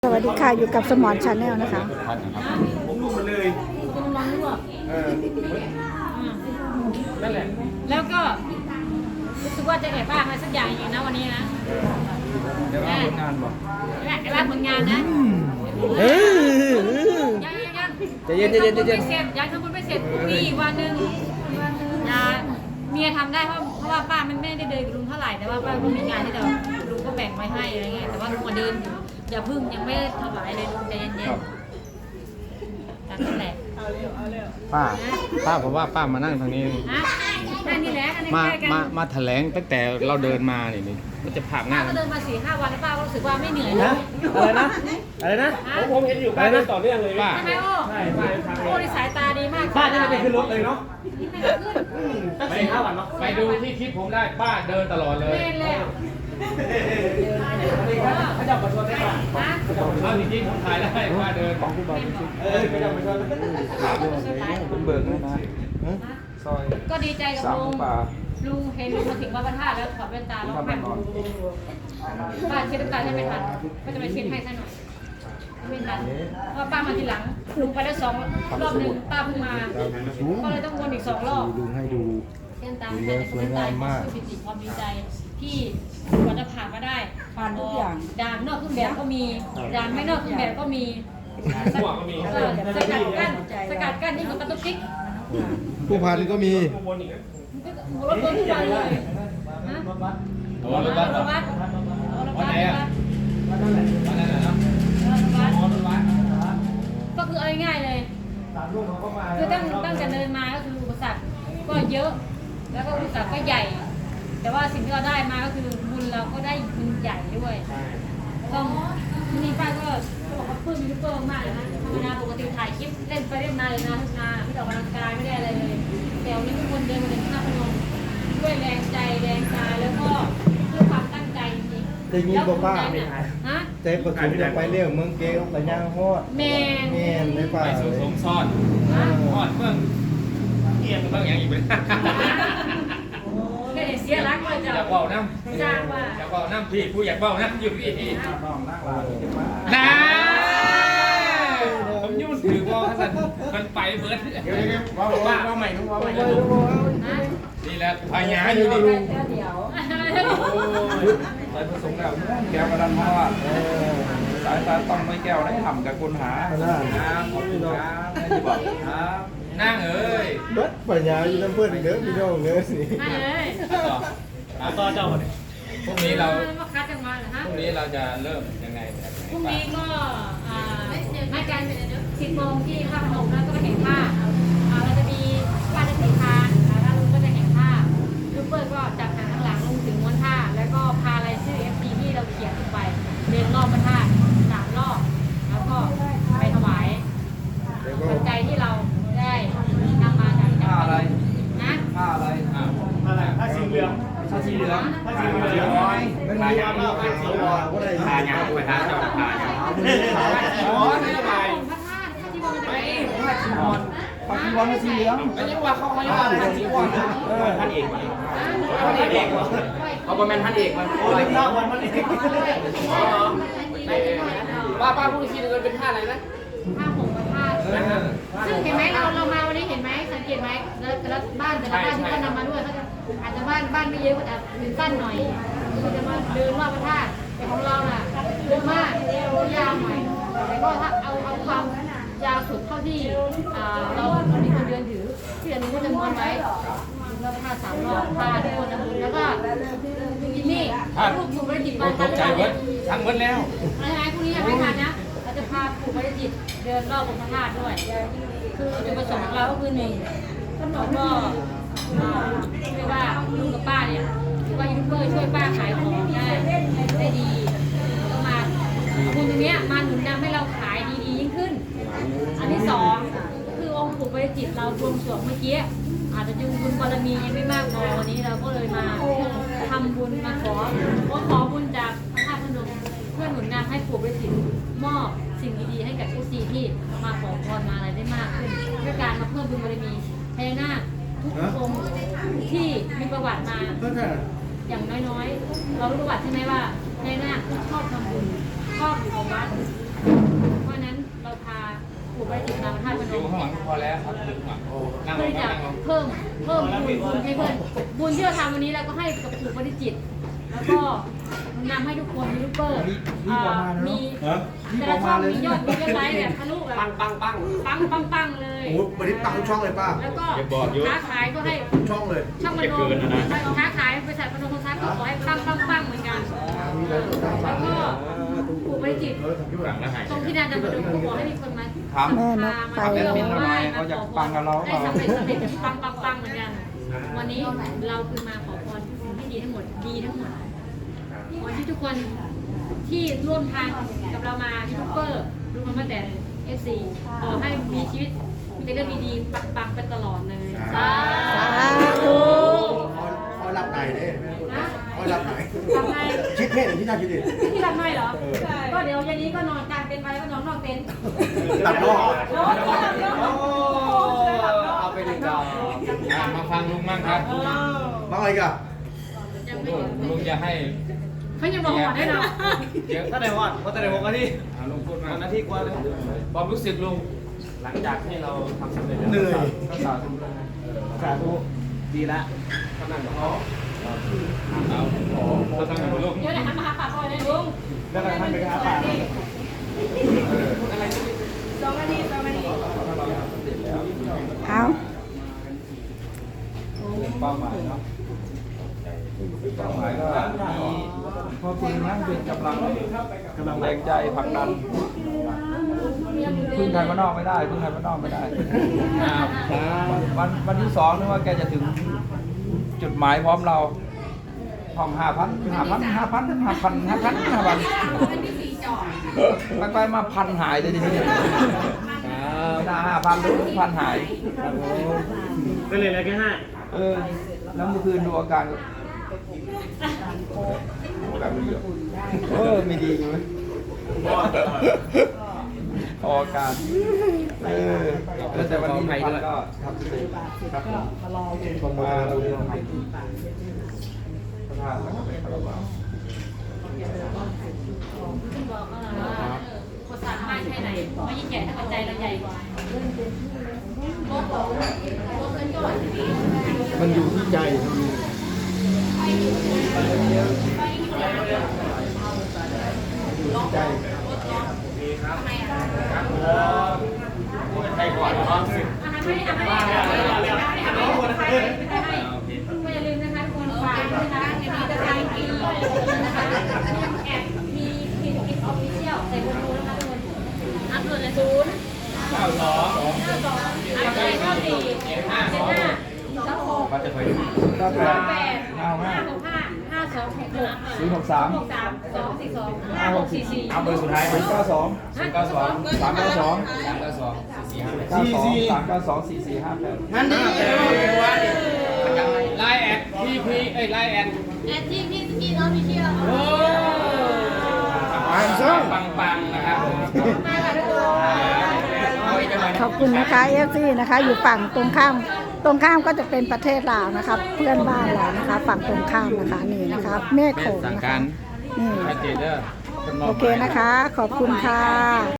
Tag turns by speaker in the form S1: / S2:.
S1: สวัสดีค่ะอยู่กับสมอนชาแนลนะคะ
S2: ผมรู้มาเลย
S3: คุณลองลวก
S2: นั่นแหละ
S3: แล้วก็รู้สึกว่าจะแอบบ้างอะไรสักอย่างอย่างนะวันนี้นะ
S2: เดี๋ยวว่าผลงานบอก
S3: แอบบ้างผลงานนะยัง
S2: จะเย็นยัง
S3: ทำบุญไม่เสร็จพรุ่งนี้วันหนึ่งนะเมียทำได้เพราะว่าป้ามันไม่ได้เดินกับลุงเท่าไหร่แต่ว่าป้าก็มีงานที่เดี๋ยวลุงก็แบ่งไว้ให้อะไรเงี้ยแต่ว่าลุงก็เดินอยู่อย่าพึ่งยังไม่ถวายเลยลุงใจเย็นๆนั่นแหละ
S2: ป้าผมว่าป้ามานั่งทางนี้
S3: นั่นนี่แหละ
S2: มาแถลงตั้งแต่เราเดินมานี่ก็จะผ่านง่าย
S3: ก็เดินมา4-5 วันแล้วป้าก็รู้สึกว่าไม่เหนื่อย
S2: นะอะไรนะผมเห็นอยู่ป้าเดินต่อเนื่องเลยป้า
S3: ใช่ไหมโอ้ใช่โอ้ในสายตาดีมาก
S2: ป้าจะไปขึ้นรถเลยเนาะตั้ง4-5 วันเนาะไปดูที่คลิปผมได้ป้าเดินตลอดเลย
S3: เดินแล้ว
S2: เขาจับมาชนได้ป่ะเอาจริงๆผมถ่ายได้ป้าเดินของคุณบอลเขาจับมาชนเป็นเบิกเลยนะซอย
S3: ก็ดีใจกับลุงเห็นลุงมาถึงวัดพระธาตุแล้วถอดแว่นตาแล้วพันป้าเช็ดน้ำตาให้ไม่ทันก็จะไปเช็ดให้ซะหน่อยไม่ทันเพราะป้ามาทีหลังลุงไปแล้ว2 รอบหนึ่งป้าเพิ่งมาก็เลยต้องวนอีก2 รอบ
S4: ลุงให้ดู
S3: เส้นตาสวยงามมากปิติความดีใจที่กว่าจะผ่านมาได้
S1: ผ่านทุกอย่าง
S3: ด่านนอกเครื่องแบบก็มีด่านไม่นอกเครื่องแบบก็มีสกัดกั้นนี่มันกระตุกติ๊ก
S4: ผู้พันก็มี
S3: รถบนทุกวันเลยรถบัส
S2: วันไหนอ่ะวันนั้นเหรอ
S3: ก็คือเอาง่ายๆเลยคือตั้งแต่เดินมาก็คืออุปสรรคก็เยอะแล้วก็อุปสรรคก็ใหญ่แต่ว่าสิ่งที่เราได้มาก็คือบุญเราก็ได้บุญใหญ่ด้วยต้องนี่ป้าก็บอกว่าเพิ่มยูทูบเบอร์มากเลยนะธรรมดาปกติถ่ายคลิปเล่นไปเล่นมาเลยนะทุกนาไม่ออกกำลังกายไม่ได้อะไรเลยแต่วันนี้ทุกคนเดินมาถึงหน้าพนมด้วยแรงใจแรงกายแล้วก็ด้วยความตั้งใจจริง
S4: ๆอย่างนี้บอกป้าใจประชุมจะไปเรื่องเมืองเกลไปย่างฮอด
S3: แม่
S4: ไม่ป่า
S2: ไปสมซ่อนฮอดเมืองเกียงเมืองอย่างอีกเป็น
S3: เสียรักเลยจ้ะ
S2: อยากเบาน้ำอยากเบาน้ำพี่ผู้อยากเบาน้ำอยู่พี่น้าผมยุ่งถือว่าสันมันไปเบิร์ดว่าใหม่ทุกว่าใหม่นี่แหละพญาอยู่นี่
S5: ใส่ผสมแล้วแก้วกระดานเพราะว่าสายตาต้องไม่แก้วได้ทำกับคนหาครับขอบคุณครับที่บอกครับ
S2: นั่งเอ้ย
S4: เบิร์ดปัญญาอยู่น้ำเพื่อนเด้อพี่น้องเด้อสิ
S2: ต่อเจ้าเนี่ยพรุ่งนี้เรา
S3: คัดกันมาเหรอฮะ
S2: พรุ่งนี้เราจะเริ่มยังไง
S3: พรุ่งนี้ก็นัดกัน10 โมงที่ท่าพนมแล้วก็ไปแข่งผ้าเราจะมีผ้าจะสีทานแล้วลุงก็จะแข่งผ้าลูกเปิ้ลก็จับหางข้างหลังลงถึงม้วนผ้าแล้วก็พารายชื่อ FC ที่เราเขียนลงไปเดินรอบพระธาตุ3 รอบแล้วก็ไปถวายปัจจัยที่เราได้นำมาจาก
S5: ผ้าอะไร
S3: นะ
S5: ผ้าอะไร
S2: ผ้าสีเหลืองผ้าสีเหลืองผ้าสีเหลือง
S4: มันมีอะไรผ้าสีเหลืองก็ได้
S2: ผ้าอย่างไปทางเจ้าผ้าอย่าง
S3: อ๋อไม่ได้ไปพระธาตุผ้าจีวรจะไป
S5: ผ้าจีวรผ้าจีวรผ้าสีเหลือง
S2: ไม่ใช่ว่าเขาไม่ว่าผ้าจีวรท่านเอกเขาเป็นท่านเอกมัน
S5: โอ้ยข้าววันมันเอก
S2: ป้าพูดทีนึงเป็นผ้าอะไรนะ
S3: ผ้าห่มพระธาตุซึ่งเห็นไหมเรามาวันนี้เห็นไหมสังเกตไหมแล้วบ้านแต่ละบ้านที่เขานำมาด้วยเขาจะอาจจะบ้านไม่เยอะก็จะเป็นสั้นหน่อยก็จะมาเดินรอบพระธาตุแต่ของเราน่ะเยอะมากยาวหน่อยแต่ก็ถ้าเอาความยาวสุดเท่าที่เรามีคนเดินถือที่อันนี้ก็จะม้วนไว้แล้วผ้า3 รอบผ้าทุกคนนะแล้วก็นี่รูปถูกประดิษฐ์มาทัน
S2: แล้วทั้งหมดแล้ว
S3: อะไรพวกนี้ยังไม่ทันนะเราจะพาผูกประดิษฐ์เดินรอบองค์พระธาตุด้วยคือจุดประสงค์ของเราก็คือ1แล้วก็เรียกว่าลุงกับป้าเนี่ยถือว่ายูทูบเบอร์ช่วยป้าขายของได้ดีก็มาบุญตรงนี้มาหนุนนำให้เราขายดียิ่งขึ้นอันที่2คือองค์ปู่ปริจิตเรารวมส่วนเมื่อกี้อาจจะบุญบารมียังไม่มากพอวันนี้เราก็เลยมาทำบุญมาขอบุญจากพระธาตุพนมเพื่อหนุนนำให้ปู่ปริจิตมอบสิ่งดีๆให้กับทุกทีที่มาขอพรมาอะไรได้มากขึ้นด้วยการมาเพิ่มบุญบารมีพญานาคทุกองค์ที่มีประวัติมาอย่างน้อยๆเรารู้ประวัติใช่ไหมว่าพญานาคชอบทำบุญชอบอยู่กับวัด
S2: พอแล้วครับถึงอ่ะนั่งล
S3: เพื่อง จะ
S2: นั่งลง
S3: เพิ่มบุญให้เพื่อนบุญที่เราทำวันนี้เราก็ให้กับปู่ปฏิจิตรแล้วก็นำให้ทุกคนยูทูบเบอร์มีแต่ละช่องมียอดไลค์แบบทะลุแบบปังเลย
S4: โอ้วันนี้ปังทุกช่องเลยป้า
S3: แล้วก็ค้าขายก็ให้
S4: ช่องเลย
S3: ช่องมโนค้าขายบริษัทมโนโทรทัศน์ก็ขอให้ปังเหมือนกันแล้วก็ปู่ปฏิจิตรตรงที่นาดำดงก็ขอให้มีคนมา
S5: ถาม
S1: แม่นกไป
S5: ถามแอด
S1: แล้ว
S5: มินหน่อยเขาอยากปังกับเราเป
S3: ได้
S5: ล่า
S3: สำเร็จปังเหมือนกัน วันนี้เราคือมาขอพรให้ดีทั้งหมดขอที่ทุกคนที่ร่วมทางกับเรามายูทูบเบอร์รวมมาแต่ FC ขอให้มีชีวิตมีแต่เรื่องดีๆปังๆไปตลอดเลยสา
S1: ธุ
S4: คอยรับไหนเด้
S3: นะ
S4: คอยรับไหน
S3: ทำไง
S4: คิดเพศหรือที่น่าคิดดิ
S3: ที่รับไม่เหรอ ก็เดี๋ยวเย็นนี้ก็นอนกลางเต็นท์ไปแล้วก็นอนนอกเต็นท์
S4: ตัดนอก
S2: เอาไปดึงดอกมาฟังลุงมั่งครับ
S4: มาอะไรกัน
S3: ยังไม่ถึง
S2: ลุงจะให้
S3: เขายังบอกหอดได้เนาะ
S2: เยอะ
S6: ถ้าไหนวอดเพราะแต่ไหน6 นาที
S2: ลุงพูดมา
S6: นาทีกว่าเลย
S2: ความรู้สึกลุง
S6: หลังจากที่เราทำสำเร็จแล้ว
S4: เหนื่อย
S2: ก็สาธุ
S6: สาธุดีละกำลังบอก
S2: เอาเราทำอย่างลุง
S3: เดี๋ยวเดี๋ยวทำมาหาปากก่อนเลยลุง
S6: แล้วก็ท่านไปหาป่า
S1: เอา
S5: เป้าหมายเนาะเป้าหมายก็มีพ่อคุณนั่งเป็นกำลังแรงใจผลักดันพึ่งใครมานอกไม่ได้พึ่งใครมานอกไม่ได้ วันที่2นึกว่าแกจะถึงจุดหมายพร้อมเราห้อง5,000ไปมาพันหายเลยทีนี้ไม่น่า5,000เลยพันหาย
S6: ก็เลยแล้วแค่5
S5: แล้วเมื่อคืนดูอาการแบบนี้ไม่ดีอยู่ไหมออกอาการแต่วันนี้พันก็ทำเสร็จครับผมมาเราเรียนพระธาตุแล้วก็เป็นคารวะ
S3: คุณบอกว่าคนสามารถแค่ไหนไม่ยิ่งใหญ่ถ้าปัจจัยเราใหญ่กว่าโลกของโลกเงินก่อน
S4: มันอยู่ที่ใจ
S2: ใครก่อนเนาะ
S3: ไม่อย่าลืมนะคะทุกคนฝากนะคะมีตะไคร้กินนะคะแอบมีคลิปออฟฟิเชียลใส่โบโลนะคะทุกคนอัพโหลดเลย0 อัพเลย
S2: ว่าจะไป เอาเบอร์สุดท้ายไหม
S5: 92
S2: นั่นดิไลน์แอดพีไลน์แอด
S3: ที่สกีนอฟฟิเชียล
S2: โอ้ปังนะครับ
S3: มาค่ะทุกคน
S1: ขอบคุณนะคะเอฟซีนะคะ อยู่ฝั่งตรงข้ามก็จะเป็นประเทศลาวนะคะ เพื่อนบ้านเรานะคะ ฝั่งตรงข้ามนะคะนี่นะคะแม่โขงนะคะนี่
S2: ชัดเจนเด้อ
S1: โอเคนะคะ ขอบคุณค่ะ